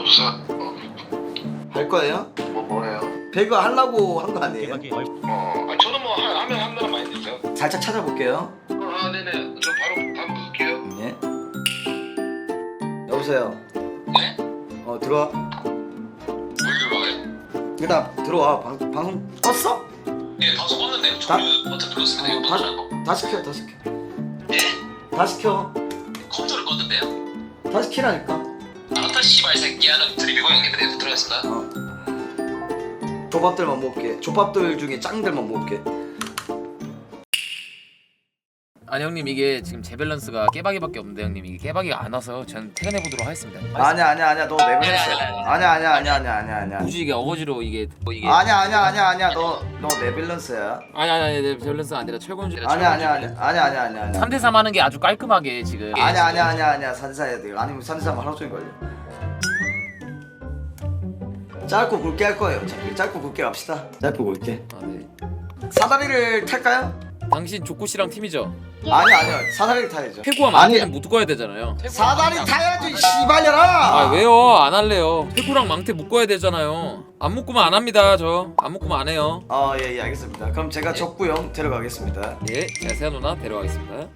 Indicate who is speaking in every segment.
Speaker 1: 수사
Speaker 2: 할 거예요?
Speaker 1: 뭐예요?
Speaker 2: 배그 하려고 한 거 아니에요?
Speaker 1: 저는 뭐 하면 한다는 마인드죠.
Speaker 2: 살짝 찾아볼게요.
Speaker 1: 네네. 저 바로 볼게요.
Speaker 2: 예. 여보세요.
Speaker 1: 네?
Speaker 2: 들어와.
Speaker 1: 뭘 들어와요?
Speaker 2: 일단 들어와. 방송 껐어?
Speaker 1: 네, 방송 껐는데
Speaker 2: 다-
Speaker 1: 버튼 눌렀습니다. 이거
Speaker 2: 다시
Speaker 1: 누르라고.
Speaker 2: 다시 켜. 다시 켜.
Speaker 1: 네?
Speaker 2: 다시 켜.
Speaker 1: 컴퓨터를 껐는데요.
Speaker 2: 다시 키라니까.
Speaker 1: 알았다 씨발 새끼야는 드리비고 형님들 들어갔습니다.
Speaker 2: 조밥들만 먹을게. 조밥들 중에 짱들만 먹을게.
Speaker 3: 아니 형님 이게 지금 제 밸런스가 깨박이밖에 없는데 형님 이게 깨박이가 안 와서 전 퇴근해 보도록 하겠습니다.
Speaker 2: 아니야. 너 내밸런스. 아니야.
Speaker 3: 굳이 이게 어거지로 이게
Speaker 2: 아니야. 너 내밸런스야.
Speaker 3: 아니 내 밸런스 아니라 철권주.
Speaker 2: 아니야.
Speaker 3: 3대3 하는 게 아주 깔끔하게 지금.
Speaker 2: 아니야. 산사해야 돼. 아니면 산사하면 하루 종일 걸려. 짧고 굵게 할 거예요. 어차피 짧고 굵게 갑시다. 짧고 굵게.
Speaker 3: 아, 네.
Speaker 2: 사다리를 탈까요?
Speaker 3: 당신 조코 씨랑 팀이죠?
Speaker 2: 아니요. 사다리를 타야죠.
Speaker 3: 태구와 망태는 못 꺼야 되잖아요.
Speaker 2: 사다리 타야지 씨발려라.
Speaker 3: 아 왜요? 안 할래요. 태구랑 망태 묶어야 되잖아요. 안 묶으면 안 합니다. 저 안 묶으면 안 해요.
Speaker 2: 예 알겠습니다. 그럼 제가 적구형 데려가겠습니다.
Speaker 3: 예, 제가 세아 누나 데려가겠습니다.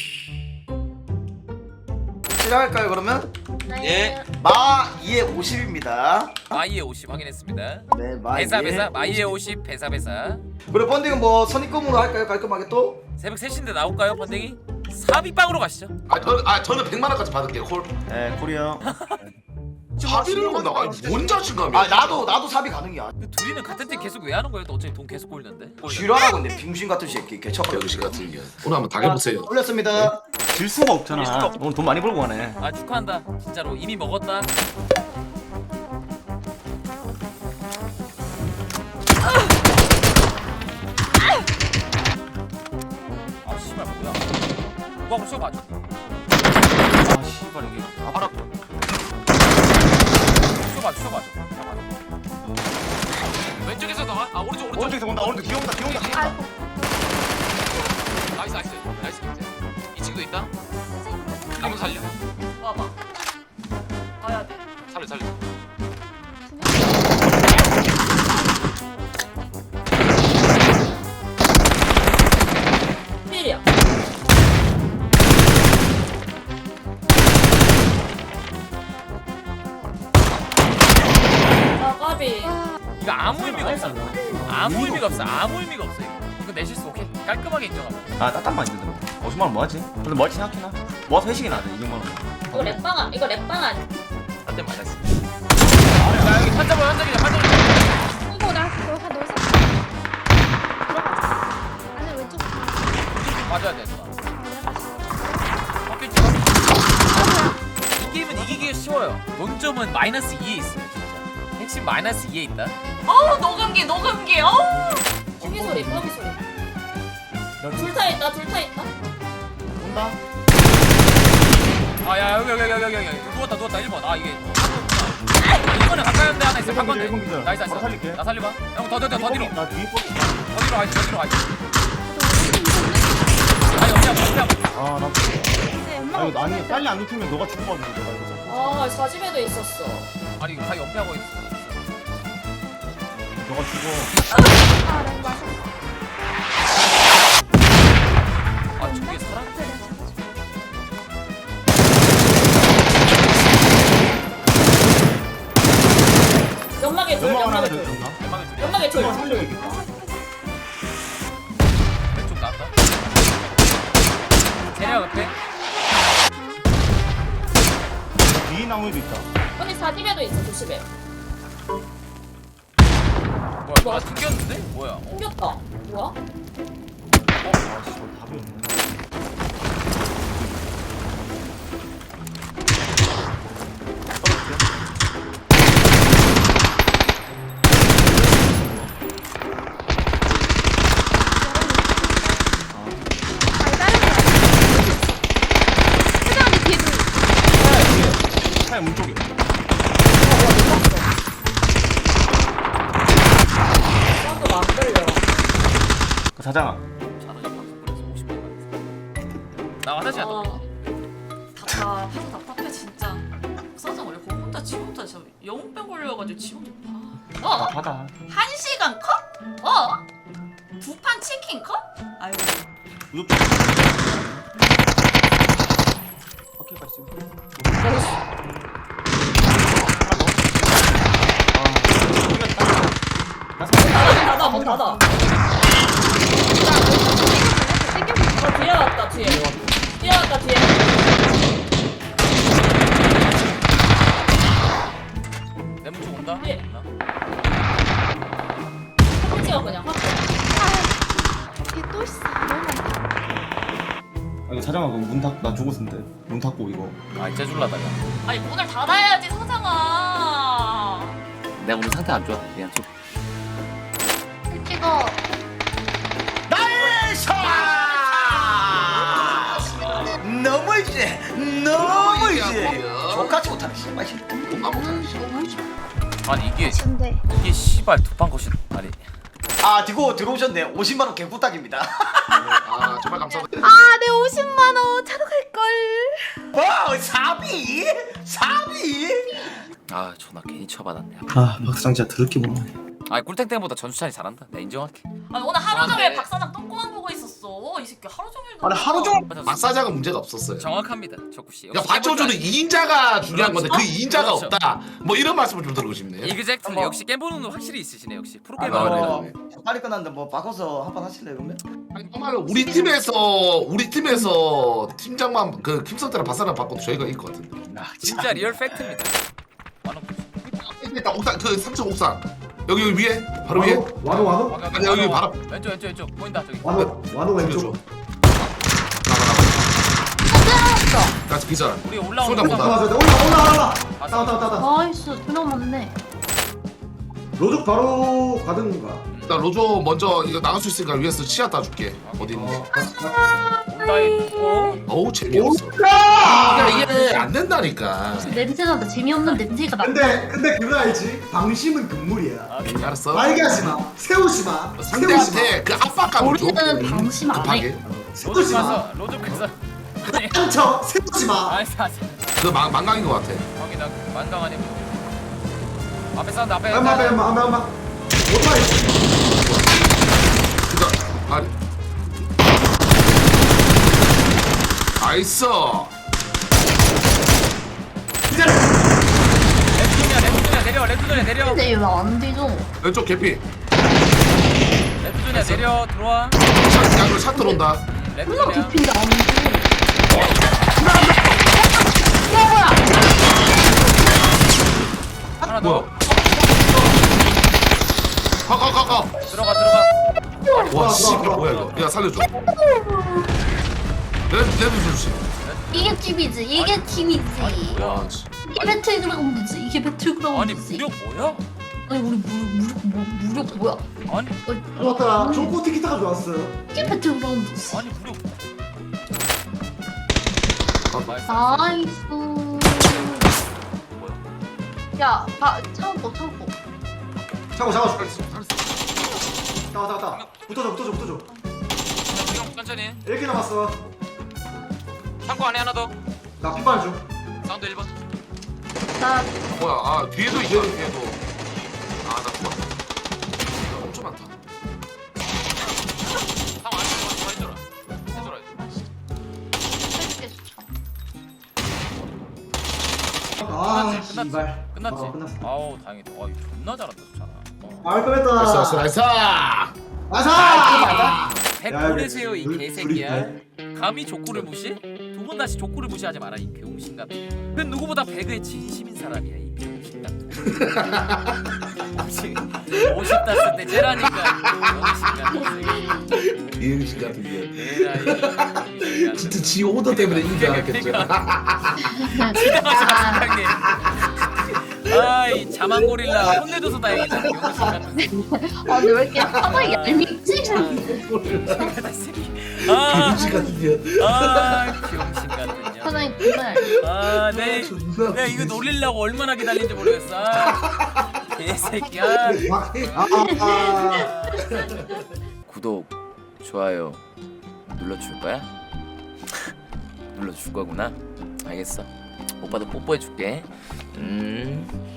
Speaker 2: 시작할까요 그러면?
Speaker 3: 예.
Speaker 2: 마 2에 50입니다.
Speaker 3: 마이의 50 확인했습니다.
Speaker 2: 네, 마
Speaker 3: 배사
Speaker 2: 2에
Speaker 3: 마이의 50 배사.
Speaker 2: 그리고 펀딩은 뭐 선입금으로 할까요? 깔끔하게 또?
Speaker 3: 새벽 3시인데 나올까요 번댕이? 사비빵으로 가시죠.
Speaker 1: 저는 100만 원까지 받을게요. 콜.
Speaker 2: 네, 콜이요.
Speaker 1: 사비를 못 나가. 뭔 자신감이야?
Speaker 2: 나도 사비 가능이야.
Speaker 3: 근데 둘이는 같은 팀 계속 왜 하는 거예요? 또 어차피 돈 계속 꼴는데.
Speaker 2: 쥐라라고 근데 빙신 같은 새끼 개척하려.
Speaker 1: 병신 같은 게. 오늘 한번 당해보세요.
Speaker 2: 올렸습니다.
Speaker 4: 질 수가 없잖아. 오늘 돈 많이 벌고 가네.
Speaker 3: 아 축하한다. 진짜로 이미 먹었다. 아 씨발 뭐야? 누가 한번 쏘봐.
Speaker 4: 아 씨발 이게.
Speaker 3: 알아. 쏘봐. 왼쪽에서 나와. 아 오른쪽.
Speaker 4: 오른쪽에서 온다. 오른쪽 뒤에 온다.
Speaker 3: 나이스 김재. 이 친구도 있다. 한번 살려.
Speaker 5: 봐봐. 봐야 돼.
Speaker 3: 살려.
Speaker 5: 필이야. 아 까비.
Speaker 3: 이거 아무 의미가 없어. 아무 의미가 없어. 이거 내 실수 오케이. 깔끔하게 인정하고.
Speaker 4: 아 따뜻만 있는데. 50만 원 뭐하지? 근데 뭐할지 생각해나? 모아서 회식이나 하자 200만 원.
Speaker 5: 이거 랩방아.
Speaker 3: 한대 맞았어. 야 여기 환자기자.
Speaker 6: 이거 나 그거 한 넣어서 안에 왼쪽
Speaker 3: 맞아야 돼. 바뀌었지? 이 게임은 이기기가 쉬워요. 논점은 마이너스 2에 있어요. 진짜. 핵심 마이너스 2에 있다.
Speaker 5: 어우 녹음기. 어우. 거기 소리. 둘 타 있다.
Speaker 4: 온다.
Speaker 3: 아야 여기 누웠다 1번. 아 이게 1번에 가까이 한데 하나 있어.
Speaker 4: 일본
Speaker 3: 바꿨네.
Speaker 4: 기절, 일본 기절.
Speaker 3: 나이스.
Speaker 4: 바로 살릴게.
Speaker 3: 나 살려봐. 형 더 뒤로.
Speaker 4: 나 뒤에
Speaker 3: 더 뒤로 가야지. 아니 없냐.
Speaker 4: 아 나.
Speaker 6: 네, 엄마가
Speaker 4: 이거 아니 빨리 안 눕히면 너가 죽어가지고 내가 이거.
Speaker 5: 아 사집에도 있었어.
Speaker 3: 아니 다 연패하고 있어.
Speaker 4: 너가 죽어.
Speaker 6: 나 이거 마셨어.
Speaker 3: 아 저게 사람?
Speaker 5: 연막에 둘.
Speaker 4: 연막 하나 더
Speaker 5: 둘.
Speaker 4: 있나?
Speaker 3: 대망의 둘이야.
Speaker 5: 연막에 둘.
Speaker 4: 이거 살려야겠다.
Speaker 3: 왼쪽 나왔다. 제리야 옆에.
Speaker 4: 뒤에 나무에도 있다.
Speaker 5: 언니 사집에도 있어. 조심해.
Speaker 3: 뭐야? 튕겼는데? 뭐야?
Speaker 5: 생겼다. 뭐야?
Speaker 4: 아 씨발 답이 없네.
Speaker 6: 아니 다른 거 세자 언니 뒤에 둘.
Speaker 4: 차의 문 쪽에.
Speaker 5: 사운드 안 들려.
Speaker 4: 그 사장아.
Speaker 3: 나 화장실 안
Speaker 5: 아.
Speaker 3: 가.
Speaker 5: 답답해 진짜. 사장 원래 공부다 지금부터 저 영웅병 걸려가지고 지금
Speaker 4: 받아.
Speaker 5: 1시간 컷? 2판 치킨 컷? 아유
Speaker 4: 오케이 가 있어.
Speaker 5: 닫아 문 닫아 뒤에 왔다 뒤에 왔다 뒤에
Speaker 3: 내문 쪽 온다.
Speaker 5: 예.
Speaker 3: 없나?
Speaker 5: 확 찍어 그냥 확 찍어
Speaker 6: 걔또 있어. 너무 많다.
Speaker 4: 이거 사장아 그럼 문 닫고 나 죽었는데 문 닫고 이거.
Speaker 3: 아 이제 줄라다가.
Speaker 5: 아니 문을 닫아야지 상상아
Speaker 3: 내가 오늘 상태 안 좋아. 그냥 좀.
Speaker 6: 찍어.
Speaker 2: 너무이지 족같이 못하네 씨발
Speaker 3: 아니 이게
Speaker 6: 근데
Speaker 3: 씨발 두판 것이 아니.
Speaker 2: 아 디고 들어오셨네 50만원 개꿀딱입니다
Speaker 7: 아 정말 감사합니다.
Speaker 6: 아내 50만 원 차로 갈 걸.
Speaker 2: 뭐 사비? 사비?
Speaker 3: 아 존나 괜히 쳐받았네.
Speaker 4: 아 박사장 진짜 더럽게 못하네.
Speaker 3: 아 꿀탱탱보다 전수찬이 잘한다. 내가 인정할게.
Speaker 5: 아니 오늘 하루 종일
Speaker 3: 그런데-
Speaker 5: 박사장 똥꼬만 보고 있었어 이 새끼 하루 종일
Speaker 7: 아니 하루 종일
Speaker 3: 맞아.
Speaker 7: 마사자가 문제가 없었어요.
Speaker 3: 정확합니다, 적구 씨.
Speaker 7: 야 받쳐주는 2인자가 중요한 건데 그
Speaker 3: 그렇죠.
Speaker 7: 2인자가
Speaker 3: 그렇죠.
Speaker 7: 없다. 뭐 이런 말씀을 좀 드리고 싶네요.
Speaker 3: 이그젝트 역시 게임 보는 눈 확실히 있으시네 역시
Speaker 7: 아,
Speaker 3: 프로게이머.
Speaker 7: 네,
Speaker 2: 어,
Speaker 7: 네.
Speaker 2: 빨리 끝났는데 뭐 바꿔서 한 판 하실래요 그러면?
Speaker 7: 아니, 정말로 우리 팀에서 팀장만 그 김성태랑 바사랑 바꿔도 저희가 이길 것 같은데.
Speaker 3: 진짜 리얼 팩트입니다. 완호.
Speaker 7: 일단 옥상 그 3층 옥상 여기 위에 바로 위에.
Speaker 8: 와도
Speaker 7: 아니, 여기 바로.
Speaker 3: 왼쪽 보인다 저기.
Speaker 8: 와도
Speaker 7: 왼쪽.
Speaker 8: 왼쪽.
Speaker 7: 나가. 같이 기절.
Speaker 3: 우리 올라오는
Speaker 7: 손잡고
Speaker 3: 거.
Speaker 7: 가.
Speaker 8: 올라.
Speaker 3: 아,
Speaker 8: 따다.
Speaker 6: 나이스 두명 맞네.
Speaker 8: 로족 바로 가든 건가?
Speaker 7: 나 로조 먼저 이거 나갈 수 있으니까 위에서 치아 따줄게. 어디 있는지.
Speaker 3: 온다 있고.
Speaker 7: 어우 재미없어. 야 이게 안 된다니까.
Speaker 6: 냄새나다. 재미없는 냄새가 나.
Speaker 8: 근데 그거 알지? 방심은 금물이야.
Speaker 7: 알았어.
Speaker 8: 말개하지 마. 세우지 마. 세우지 마.
Speaker 7: 상대한테 그 압박감을 줘.
Speaker 6: 우리는 방심 안 해.
Speaker 7: 급하게.
Speaker 8: 세우지 마.
Speaker 3: 로족해서.
Speaker 8: 상처 세우지 마.
Speaker 3: 알았어.
Speaker 7: 그 망강인 것 같아.
Speaker 3: 거기다 만강 아니고. 앞에 사운드 앞에.
Speaker 8: 엄마. 오토바이.
Speaker 7: 그니까 아니. 나이스.
Speaker 3: 레프존이야 내려.
Speaker 6: 근데 왜안 되죠?
Speaker 7: 왼쪽 개피.
Speaker 3: 레프존이야 내려 들어와.
Speaker 7: 샷, 야, 샷 들어온다.
Speaker 6: 얼마나
Speaker 3: 레프존이야.
Speaker 6: 깊인데 안 돼.
Speaker 3: 하나
Speaker 7: 뭐야?
Speaker 3: 더.
Speaker 7: 가.
Speaker 3: 들어가.
Speaker 7: 와, 씨, 뭐야 이거? 야 살려줘. 레드 주시.
Speaker 6: 이게 팀이지. 이게 팀이지.
Speaker 7: 와, 씨.
Speaker 6: 이게 배틀그라운드지. 이게
Speaker 3: 아니
Speaker 6: 배틀그라운드지.
Speaker 3: 무력 뭐야?
Speaker 6: 아니 우리 무력 뭐야?
Speaker 3: 아니
Speaker 8: 좋았다. 좋고 티키타가 좋았어.
Speaker 6: 이게 배틀그라운드지.
Speaker 3: 아니 무력.
Speaker 6: 나이스. 야, 참고.
Speaker 8: 잡아. 따. 붙어줘.
Speaker 3: 천천히.
Speaker 8: 1개 남았어.
Speaker 3: 창고 안에 하나 더.
Speaker 8: 나 피반 중.
Speaker 3: 사운드 1번.
Speaker 6: 나
Speaker 7: 뭐야? 아 뒤에도 있다. 뒤에도. 아, 나 죽었다. 이거 엄청 많다.
Speaker 3: 상 안에 더 해줘라.
Speaker 6: 해줄게 좋죠.
Speaker 8: 아,
Speaker 3: 끝났지?
Speaker 8: 씨발.
Speaker 3: 끝났지?
Speaker 8: 끝났어.
Speaker 3: 아우 다행이다. 와 이거 존나 잘한다 좋잖아.
Speaker 8: 깔끔했다.
Speaker 7: 나이스.
Speaker 8: 아사.
Speaker 3: 100보내세요 이
Speaker 8: 둘-
Speaker 3: 개새끼야.
Speaker 8: 둘이
Speaker 3: 감히 족구를 무시? 두 번 다시 족구를 무시하지 마라 이 병신 같은. 그 누구보다 배그에 진심인 사람이야 이 병신 같은. 50 땄을 때 째라니까 병신 같은.
Speaker 7: 비행식 같은 게.
Speaker 3: 에라이 병신 같은.
Speaker 7: 진짜 지 오더 때문에 인정하겠죠.
Speaker 3: 사장님. 아이 자만 고릴라 혼내줘서 다행이다. 병신 같은.
Speaker 6: 아니 왜 이렇게 하나 얄밉지?
Speaker 3: 아,
Speaker 7: 비행식 같은 게.
Speaker 3: 병신 같은 년.
Speaker 6: 사장님 정말
Speaker 3: 아,
Speaker 7: 존나
Speaker 3: 내가 이거 놀리려고 얼마나 기다린지 모르겠어. 개새끼야. 구독, 좋아요 눌러줄 거야? 눌러줄 거구나. 알겠어. 오빠도 뽀뽀해줄게.